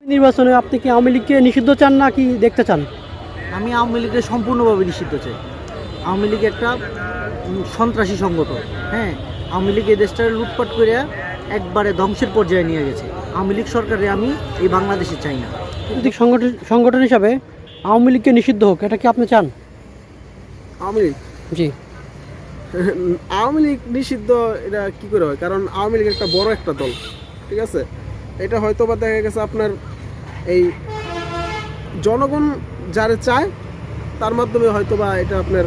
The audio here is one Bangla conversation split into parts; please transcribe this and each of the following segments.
নির্বাচনে আপনি কি আওয়ামী লীগকে নিষিদ্ধ চান না কি দেখতে চান? আমি আওয়ামী লীগকে সম্পূর্ণভাবে নিষিদ্ধ চাই। আওয়ামী লীগ একটা সন্ত্রাসী সংগঠন। হ্যাঁ, আওয়ামী লীগ এই দেশটা লুটপাট করে একবারে ধ্বংসের পর্যায়ে নিয়ে গেছে। আওয়ামী লীগ সরকারে আমি এই বাংলাদেশে চাই না। রাজনৈতিক সংগঠন হিসাবে আওয়ামী লীগকে নিষিদ্ধ হোক, এটা কি আপনি চান? আওয়ামী লীগ জি। আওয়ামী লীগ নিষিদ্ধ এটা কি করে হয়? কারণ আওয়ামী লীগ একটা বড় একটা দল, ঠিক আছে। এটা হয়তো বা দেখা গেছে আপনার এই জনগণ যারা চায় তার মাধ্যমে হয়তো বা এটা আপনার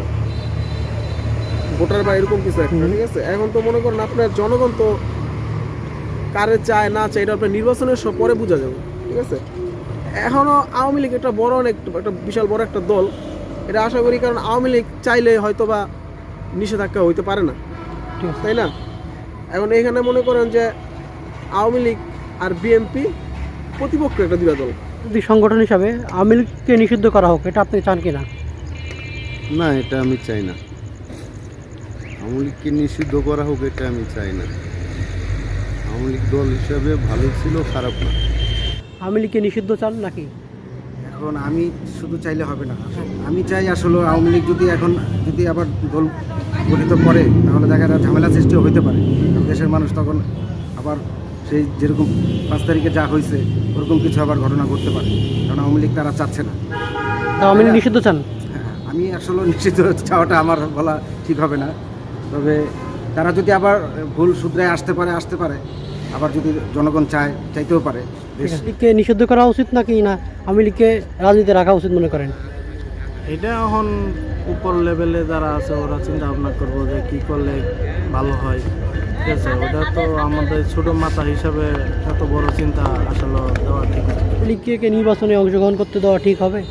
ভোটার বা এরকম কিছু একটা, ঠিক আছে। এখন তো মনে করেন আপনার জনগণ তো কারে চায় না চায় এটা আপনার নির্বাচনের পরে বোঝা যাবে, ঠিক আছে। এখনও আওয়ামী লীগ একটা বড় একটা বিশাল বড় একটা দল, এটা আশা করি। কারণ আওয়ামী লীগ চাইলে হয়তো বা নিষেধাজ্ঞা হইতে পারে না, তাই না? এখন এখানে মনে করেন যে আওয়ামী লীগ আর বিএনপি প্রতিপক্ষ একটা দুটা দল। রাজনৈতিক সংগঠন হিসাবে আওয়ামী লীগকে নিষিদ্ধ করা হোক, এটা আপনি চান কি না? না, এটা আমি চাই না। আওয়ামী লীগকে নিষিদ্ধ করা হোক এটা আমি চাই না। আওয়ামী লীগ দল হিসাবে ভালো ছিল, খারাপ না। আওয়ামী লীগকে নিষিদ্ধ চান নাকি? এখন আমি শুধু চাইলে হবে না। আমি চাই আসলে আওয়ামী লীগ যদি আবার দল গঠিত করে তাহলে দেখা যায় ঝামেলা সৃষ্টিও হতে পারে। কারণ দেশের মানুষ তখন আবার সেই যেরকম 5 তারিখে যা হয়েছে ওরকম কিছু আবার ঘটনা ঘটতে পারে। কারণ আওয়ামী লীগ তারা চাচ্ছে না। আওয়ামী লীগ নিষিদ্ধ চান? হ্যাঁ, আমি আসলে নিশ্চিত চাওয়াটা আমার বলা ঠিক হবে না। তবে তারা যদি আবার ভুল শুধরায় আসতে পারে, আবার যদি জনগণ চাইতেও পারে। লীগকে নিষিদ্ধ করা উচিত নাকি না আওয়ামী লীগকে রাজনীতি রাখা উচিত মনে করেন? এটা এখন উপর লেভেলে যারা আছে ওরা চিন্তা ভাবনা করবো যে কী করলে ভালো হয়, ঠিক আছে। ওটা তো আমাদের ছোটো মাথা হিসাবে এত বড় চিন্তা আসলে দেওয়া ঠিক না। আওয়ামী লীগকে নির্বাচনে অংশগ্রহণ করতে দেওয়া ঠিক হবে?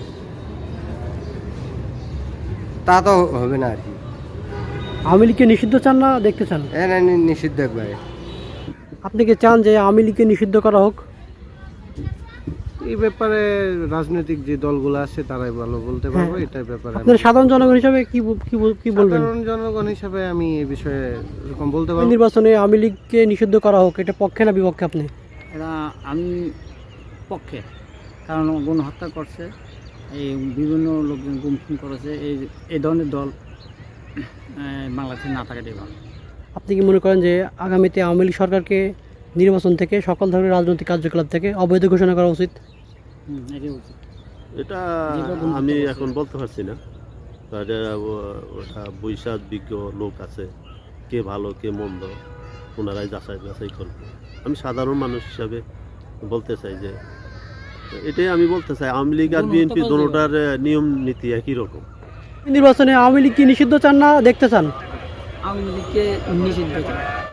তা তো হবে না আর কি। আওয়ামী লীগকে নিষিদ্ধ চান না দেখতে চান? নিষিদ্ধ একবারে। আপনি কি চান যে আওয়ামী লীগকে নিষিদ্ধ করা হোক? এই ব্যাপারে রাজনৈতিক যে দলগুলো আছে তারাই ভালো বলতে পারবো। এটার ব্যাপারে আপনার সাধারণ জনগণ হিসাবে কি বলবেন? সাধারণ জনগণ হিসাবে আমি এই বিষয়ে এরকম বলতে পারবো। নির্বাচনে আওয়ামী লীগকে নিষিদ্ধ করা হোক, এটা পক্ষে না বিপক্ষে আপনি? এরা আমি পক্ষে, কারণ গণহত্যা করছে, এই বিভিন্ন লোকজন গুমখুম করেছে। এই ধরনের দল বাংলাদেশে না থাকাটাই ভালো। আপনি কি মনে করেন যে আগামীতে আওয়ামী লীগ সরকারকে নির্বাচন থেকে সকল ধরনের রাজনৈতিক কার্যকলাপ থেকে অবৈধ ঘোষণা করা উচিত? এটাই উচিত। এটা আমি এখন বলতে পারছি না। ওটা বৈশাখ বিজ্ঞ লোক আছে, কে ভালো কে মন্দ ওনারাই যাচাই করবে। আমি সাধারণ মানুষ হিসাবে বলতে চাই যে এটাই আমি বলতে চাই আওয়ামী লীগ আর বিএনপি দুটোটার নিয়ম নীতি একই রকম। নির্বাচনে আওয়ামী লীগ কি নিষিদ্ধ চান না দেখতে চান? আওয়ামী লীগকে নিষিদ্ধ চাই।